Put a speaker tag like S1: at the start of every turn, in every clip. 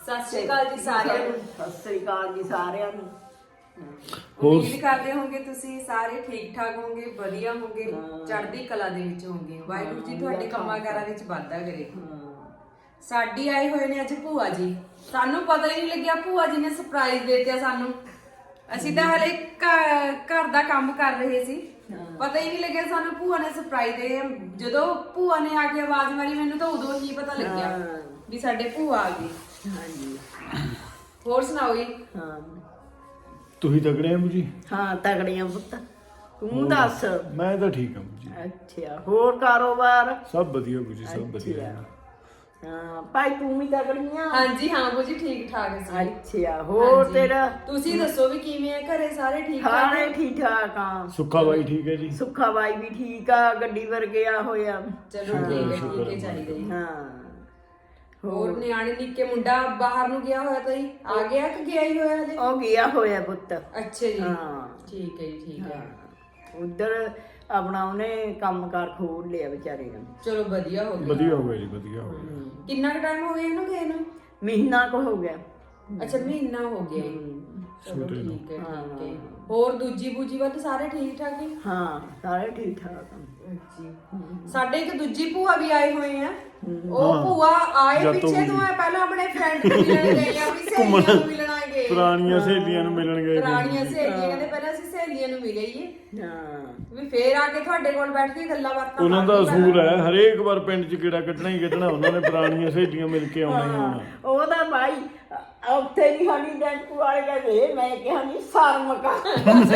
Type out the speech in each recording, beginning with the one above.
S1: ਸਤਿ ਸ਼੍ਰੀ ਅਕਾਲ ਜੀ ਸਾਰਿਆਂ ਨੂੰ।
S2: ਸਤਿ ਸ਼੍ਰੀ ਅਕਾਲ ਜੀ ਸਾਰਿਆਂ ਨੂੰ।
S1: ਉਮੀਦ ਕਰਦੇ ਹੋਗੇ ਤੁਸੀਂ ਸਾਰੇ ਠੀਕ ਠਾਕ ਹੋਗੇ, ਵਧੀਆ ਹੋਗੇ, ਚੜ੍ਹਦੀ ਕਲਾ ਦੇ ਵਿੱਚ ਹੋਗੇ। ਵਾਹਿਗੁਰੂ ਜੀ ਤੁਹਾਡੇ ਕੰਮਾਂ ਕਾਰਾਂ ਵਿੱਚ ਵਾਧਾ ਕਰੇ। ਸਾਡੀ ਆਏ ਹੋਏ ਨੇ ਅੱਜ ਭੂਆ ਜੀ। ਸਾਨੂੰ ਪਤਾ ਹੀ ਨਹੀਂ ਲੱਗਿਆ ਭੂਆ ਜੀ ਨੇ ਸਰਪ੍ਰਾਈਜ਼ ਦੇ ਦਿੱਤਾ ਸਾਨੂੰ। ਅਸੀਂ ਤਾਂ ਹਲੇ ਘਰ ਦਾ ਕੰਮ ਕਰ ਰਹੇ ਸੀ, ਪਤਾ ਹੀ ਨਹੀਂ ਲੱਗਿਆ ਸਾਨੂੰ ਭੂਆ ਨੇ ਸਰਪ੍ਰਾਈਜ਼ ਦੇ। ਜਦੋਂ ਭੂਆ ਨੇ ਆ ਕੇ ਆਵਾਜ਼ ਮਾਰੀ ਮੈਨੂੰ ਤਾਂ ਉਦੋਂ ਹੀ ਪਤਾ ਲੱਗਿਆ ਵੀ ਸਾਡੇ ਭੂਆ ਆ ਗਈ।
S2: ਹਾਂਜੀ,
S1: ਹੋਰ ਸੁਣਾਓ ਜੀ।
S2: ਹਾਂ
S3: ਤੁਸੀਂ ਤਗੜੇ ਆ ਜੀ?
S2: ਹਾਂ ਤਗੜੀਆਂ ਪੁੱਤ, ਤੂੰ ਦੱਸ।
S3: ਮੈਂ ਤਾਂ ਠੀਕ ਹਾਂ ਜੀ।
S2: ਅੱਛਾ, ਹੋਰ ਕਾਰੋਬਾਰ
S3: ਸਭ ਵਧੀਆ ਜੀ, ਸਭ ਵਧੀਆ।
S2: ਹਾਂ ਭਾਈ ਤੂੰ ਵੀ ਤਗੜੀਆਂ?
S1: ਹਾਂਜੀ ਹਾਂ ਬੂ ਜੀ, ਠੀਕ ਠਾਕ ਸੀ।
S2: ਅੱਛਾ, ਹੋਰ ਤੇਰਾ
S1: ਤੁਸੀਂ ਦੱਸੋ ਵੀ ਕਿਵੇਂ ਆ ਘਰੇ? ਸਾਰੇ ਠੀਕ ਠਾਕ?
S2: ਸਾਰੇ ਠੀਕ ਠਾਕ ਆ।
S3: ਸੁੱਖਾ ਬਾਈ ਠੀਕ ਹੈ ਜੀ?
S2: ਸੁੱਖਾ ਬਾਈ ਵੀ ਠੀਕ ਆ, ਗੱਡੀ ਵਰਗਿਆ ਹੋਇਆ।
S1: ਚਲੋ ਠੀਕ ਹੈ, ਠੀਕ ਹੈ, ਚਾਹੀਦਾ ਜੀ।
S2: ਹਾਂ,
S1: ਹੋਰ ਨਿਆਣੇ ਨਿੱਕੇ ਮੁੰਡਾ ਬਾਹਰ ਨੂੰ ਗਿਆ ਹੋਇਆ ਤਾਂ ਜੀ ਆ ਗਿਆ ਕਿ ਗਿਆ ਹੀ ਹੋਇਆ ਹਲੇ?
S2: ਉਹ ਗਿਆ ਹੋਇਆ ਪੁੱਤ।
S1: ਅੱਛਾ ਜੀ,
S2: ਹਾਂ
S1: ਠੀਕ ਹੈ ਜੀ, ਠੀਕ ਹੈ।
S2: ਉਧਰ ਆਪਣਾ ਉਹਨੇ ਕੰਮਕਾਰ ਖੋਲ ਲਿਆ ਵਿਚਾਰੇ ਨੇ।
S1: ਚਲੋ ਵਧੀਆ ਹੋ ਗਿਆ।
S3: ਵਧੀਆ ਹੋ ਗਿਆ ਜੀ, ਵਧੀਆ ਹੋ ਗਿਆ।
S1: ਕਿੰਨਾ ਕੁ ਟਾਈਮ ਹੋ ਗਿਆ ਇਹਨੂੰ ਗਏ ਨੂੰ?
S2: ਮਹੀਨਾ ਕੁ ਹੋ ਗਿਆ।
S1: ਅੱਛਾ ਮਹੀਨਾ ਹੋ ਗਿਆ ਜੀ। ਚਲੋ ਠੀਕ ਹੈ, ਠੀਕ ਹੈ। ਹੋਰ ਦੂਜੀ ਬੂਜੀ ਵੱਲ ਸਾਰੇ ਠੀਕ ਠਾਕ ਹੈ?
S2: ਹਾਂ ਸਾਰੇ ਠੀਕ ਠਾਕ ਆ।
S1: ਜੀ ਸਾਡੇ ਇੱਕ ਦੂਜੀ ਭੂਆ ਵੀ ਆਏ ਹੋਏ ਆ। ਉਹ ਭੂਆ ਆਏ ਪਿੱਛੇ ਤੋਂ ਆ, ਪਹਿਲਾਂ ਆਪਣੇ ਫਰੈਂਡ ਨੂੰ ਮਿਲਣ ਗਏ, ਆਪਣੀ ਸਹੇਲੀਆਂ ਨੂੰ ਮਿਲਣ ਗਏ।
S3: ਪੁਰਾਣੀਆਂ ਸਹੇਲੀਆਂ ਨੂੰ ਮਿਲਣ ਗਏ।
S1: ਪੁਰਾਣੀਆਂ ਸਹੇਲੀਆਂ ਕਹਿੰਦੇ ਪਹਿਲਾਂ ਅਸੀਂ ਸਹੇਲੀਆਂ ਨੂੰ ਮਿਲਈਏ,
S2: ਹਾਂ
S1: ਵੀ ਫੇਰ ਆ ਕੇ ਤੁਹਾਡੇ ਕੋਲ ਬੈਠ ਕੇ ਗੱਲਾਂ ਬਾਤਾਂ।
S3: ਉਹਨਾਂ ਦਾ ਅਸੂਲ ਹੈ, ਹਰੇਕ ਵਾਰ ਪਿੰਡ 'ਚ ਕਿਹੜਾ ਕੱਢਣਾ ਹੀ ਕੱਢਣਾ। ਉਹਨਾਂ ਨੇ ਪੁਰਾਣੀਆਂ ਸਹੇਲੀਆਂ ਮਿਲ ਕੇ ਆਉਣਾ ਹੀ ਆਉਣਾ।
S2: ਉਹਦਾ ਭਾਈ ਉੱਥੇ ਵੀ ਸਾਡੀ ਡੈਂਪੂ ਵਾਲੇ ਕਹਿੰਦੇ, ਮੈਂ ਕਿਹਾ ਨਹੀਂ ਸ਼ਰਮ ਕਰ।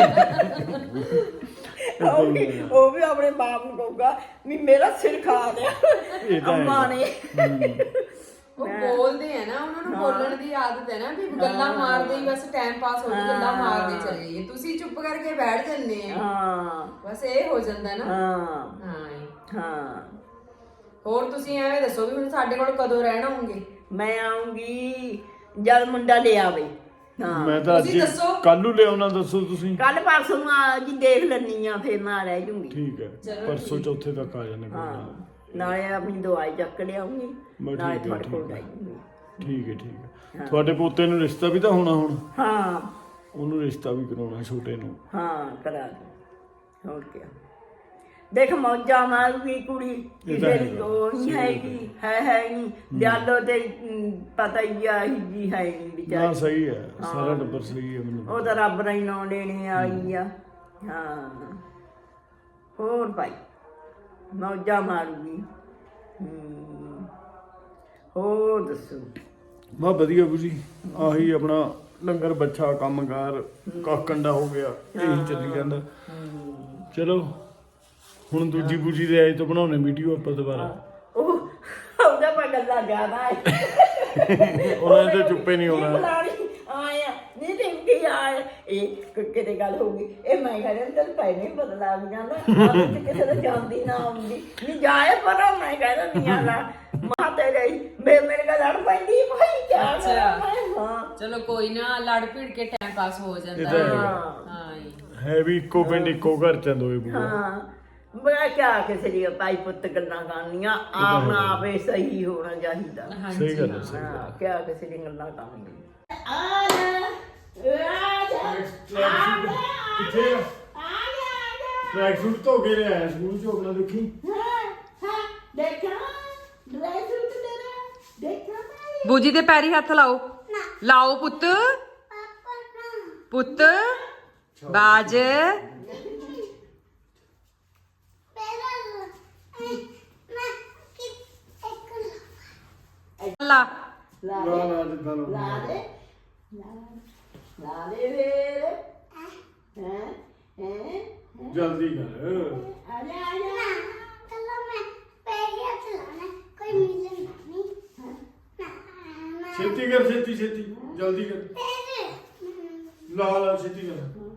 S2: ਉਹ ਵੀ ਆਪਣੇ ਬਾਪ ਨੂੰ ਕਹੂਗਾ ਵੀ ਮੇਰਾ ਸਿਰ ਖਾ ਲਿਆ ਅੰਮਾ ਨੇ।
S1: ਉਹ ਬੋਲਦੇ ਆ ਨਾ, ਉਹਨਾਂ ਨੂੰ ਬੋਲਣ ਦੀ ਆਦਤ ਹੈ ਨਾ, ਵੀ ਗੱਲਾਂ ਮਾਰਦੇ ਹੀ ਬਸ ਟਾਈਮ ਪਾਸ ਹੋ ਗਿਆ, ਗੱਲਾਂ ਮਾਰਦੇ ਚਲੇ ਜਾਈਏ। ਤੁਸੀਂ ਚੁੱਪ ਕਰਕੇ ਬੈਠ ਜੰਨੇ ਆ।
S2: ਹਾਂ
S1: ਬਸ ਇਹ ਹੋ ਜਾਂਦਾ ਨਾ।
S2: ਹਾਂ
S1: ਹਾਂ
S2: ਹਾਂ।
S1: ਹੋਰ ਤੁਸੀਂ ਐਵੇਂ ਦੱਸੋ ਵੀ ਹੁਣ ਸਾਡੇ ਕੋਲ ਕਦੋਂ ਰਹਿਣਾ ਹੋਗੇ?
S2: ਮੈਂ ਆਉਂਗੀ ਜਦ ਮੁੰਡਾ ਲੈ ਆਵੇ। ਹਾਂ
S3: ਮੈਂ ਤਾਂ ਅੱਜ
S1: ਤੁਸੀਂ ਦੱਸੋ।
S3: ਕੱਲ ਨੂੰ ਲਿਆਉਣਾ, ਦੱਸੋ ਤੁਸੀਂ।
S2: ਕੱਲ ਪਰਸੋਂ ਨੂੰ ਆ ਜੀ, ਦੇਖ ਲੈਣੀ ਆ, ਫਿਰ ਮੈਂ ਰਹਿ ਜੂੰਗੀ।
S3: ਠੀਕ ਹੈ, ਪਰਸੋਂ ਚੌਥੇ ਤੱਕ ਆ ਜਾਣੇ।
S2: ਨਾਲੇ ਆਪਣੀ ਦਵਾਈ ਚੱਕ ਲਿਆਉਂਗੀ,
S3: ਬਸ
S2: ਨਾਲੇ
S3: ਠੀਕ ਹੈ,
S2: ਤੁਹਾਡੇ ਕੋਲ
S3: ਠੀਕ ਹੈ।
S2: ਰਹਿ ਜੂੰਗੀ।
S3: ਠੀਕ ਹੈ, ਠੀਕ ਹੈ। ਤੁਹਾਡੇ ਪੋਤੇ ਨੂੰ ਰਿਸ਼ਤਾ ਵੀ ਤਾਂ ਹੋਣਾ ਹੁਣ।
S2: ਹਾਂ
S3: ਉਹਨੂੰ ਰਿਸ਼ਤਾ ਵੀ ਕਰਾਉਣਾ, ਛੋਟੇ ਨੂੰ।
S2: ਹਾਂ ਕਰਾ ਦੇ। ਹੋਰ ਕੀ ਦੇਖ, ਮੌਜਾਂ ਮਾਰੂਗੀ ਕੁੜੀ, ਕਿਸੇ ਦੀ ਉਹ ਨਹੀਂ ਹੈਗੀ, ਹੈ ਨਹੀਂ ਦਿਆਲੋ ਤੇ ਪਤਾ ਹੀ ਆ ਜੀ ਹੈ ਨਹੀਂ
S3: ਨਾ
S2: ਵਿਚਾਰੀ।
S3: ਸਹੀ ਹੈ, ਸਾਰਾ ਟੱਬਰ ਸਹੀ ਹੈ। ਮੈਨੂੰ
S2: ਉਹ ਤਾਂ ਰੱਬ ਨੇ ਨਾਂ ਲੈਣੇ ਆਈ ਆ। ਹਾਂ ਹੋਰ ਭਾਈ ਮੌਜਾਂ ਮਾਰੂਗੀ। ਹੋਰ ਦੱਸੋ?
S3: ਬਾ ਵਧੀਆ ਬੁਜੀ, ਆਹੀ ਆਪਣਾ ਲੰਗਰ ਬੱਚਾ ਕੰਮਕਾਰ ਕਾਕੰਡਾ ਹੋ ਗਿਆ, ਇਹੀ ਚੱਲੀ ਜਾਂਦਾ। ਚਲੋ ਹੁਣ ਦੂਜੀ ਬੂਜੀ ਦੇ ਆਏ ਤੋਂ ਬਣਾਉਣੇ ਵੀਡੀਓ ਆਪਾਂ ਦੁਬਾਰਾ।
S2: ਉਹ ਉਹਦਾ ਪਰ ਗੱਲਾਂ ਜ਼ਿਆਦਾ ਹੈ।
S3: ਉਹਨਾਂ ਨੇ ਤਾਂ ਚੁੱਪੇ ਨਹੀਂ ਹੋਣਾ।
S2: ਆਇਆ ਨਹੀਂ ਟਿੰਕੀ ਆਏ, ਇਹ ਕਿਤੇ ਗੱਲ ਹੋ ਗਈ। ਇਹ ਮੈਂ ਕਹਿੰਦਾ ਚੱਲ ਪੈ ਨਹੀਂ ਬਦਲਾ ਵੀ ਜਾਂਦਾ, ਕਿਸੇ ਦਾ ਜਾਂਦੀ ਨਾ ਆਉਂਦੀ ਨਹੀਂ ਜਾਏ। ਪਰ ਮੈਂ ਕਹਿੰਦਾ ਨਹੀਂ ਆਲਾ ਮਾਤੇ ਗਈ ਮੇਰੇ ਨਾਲ ਲੜ ਪੈਂਦੀ ਭਾਈ, ਕਿਆ ਕਰਾਂ ਮੈਂ। ਹਾਂ
S1: ਚਲੋ ਕੋਈ ਨਾ, ਲੜ ਭਿੜ ਕੇ ਟਾਈਮ ਪਾਸ ਹੋ ਜਾਂਦਾ। ਹਾਂ
S3: ਹੈ ਵੀ ਇੱਕੋ ਪਿੰਡ ਇੱਕੋ ਘਰ ਚ ਦੋਏ ਬੂਆ।
S2: ਹਾਂ ਬੜਾ ਕਿਆ ਕਿਸੇ ਦੀ ਭਾਈ ਪੁੱਤ ਗੱਲਾਂ ਕਰਨੀਆਂ, ਆਪ ਨਾ ਆਪੇ ਸਹੀ ਹੋਣਾ ਚਾਹੀਦਾ।
S3: ਸਹੀ ਗੱਲ ਹੈ, ਸਹੀ
S2: ਹਾਂ ਕਿਆ ਕਿਸੇ ਦੀ ਗੱਲਾਂ ਕਰਨੀਆਂ।
S3: ਕਿੱਥੇ ਟਰੈਕ ਸੂਟ ਧੋ ਕੇ ਲਿਆਇਆ ਸਕੂਲ ਚੋਂ ਆਪਣਾ, ਦੇਖੀ।
S1: ਬੂਜੀ ਦੇ ਪੈਰੀ ਹੱਥ ਲਾਓ, ਲਾਓ ਪੁੱਤ, ਪੁੱਤ ਬਾਜ। ਲਾ
S3: ਲਾ ਜਿੱਦਾਂ ਲਓ।
S2: ਲਾ ਦੇ ਫੇਰ।
S3: ਜਲਦੀ ਕਰ।
S2: ਆ ਜਾ
S4: ਚਲੋ ਮੈਂ ਪਹਿਲੇ ਚਲਾਣਾ, ਕੋਈ ਮਿਲਣ ਨਹੀਂ।
S3: ਛੇਤੀ ਕਰ, ਛੇਤੀ ਛੇਤੀ ਜਲਦੀ ਕਰ। ਲਾ ਲਾ ਛੇਤੀ ਕਰ।